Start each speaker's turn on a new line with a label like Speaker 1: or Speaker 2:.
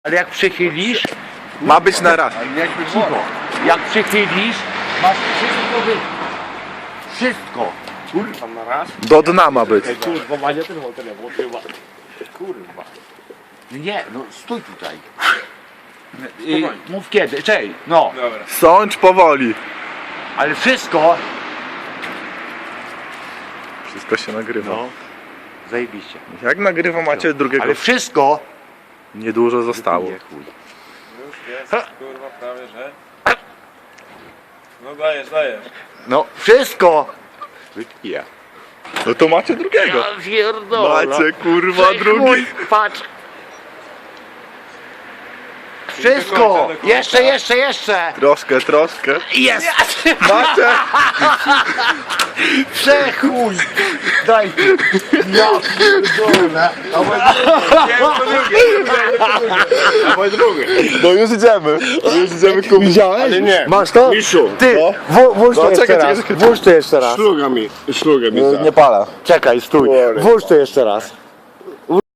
Speaker 1: Ale jak przychylisz,
Speaker 2: Ma być na raz.
Speaker 1: cicho. Jak przychylisz, masz wszystko Wszystko.
Speaker 3: Kurwa, na raz?
Speaker 2: Do dna ma być.
Speaker 3: Kurwa, Mania ten telefon chyba. Kurwa.
Speaker 1: Nie, no stój tutaj. Mów kiedy, czej, no.
Speaker 3: Dobra.
Speaker 2: Sądź powoli.
Speaker 1: Ale wszystko.
Speaker 2: Wszystko się nagrywa.
Speaker 1: No. Zajebiście.
Speaker 2: Jak nagrywa macie drugiego?
Speaker 1: Ale wszystko.
Speaker 2: Niedużo zostało.
Speaker 1: Nie, chuj.
Speaker 3: Już jest, kurwa, prawie, że. No dajesz.
Speaker 1: No, wszystko. Wypija.
Speaker 2: No to macie drugiego.
Speaker 1: Ja pierdolę.
Speaker 2: Macie kurwa
Speaker 1: Cześć,
Speaker 2: drugi.
Speaker 1: chuj, patrz. Wszystko. Jeszcze.
Speaker 2: Troszkę.
Speaker 1: Jest.
Speaker 2: Macie.
Speaker 1: Przechuj. Daj. Ja pierdolę.
Speaker 3: Dawaj drugie.
Speaker 2: No już idziemy. Kupić.
Speaker 1: Widziałeś?
Speaker 3: Ale nie.
Speaker 1: Masz to?
Speaker 3: Miszu.
Speaker 1: Ty,
Speaker 2: No.
Speaker 1: włóż to
Speaker 2: No,
Speaker 1: jeszcze
Speaker 2: czekaj,
Speaker 1: raz.
Speaker 2: czekaj.
Speaker 1: Włóż to jeszcze raz.
Speaker 3: Szluga mi
Speaker 2: Nie pala.
Speaker 1: Czekaj, stój. Włóż to jeszcze raz.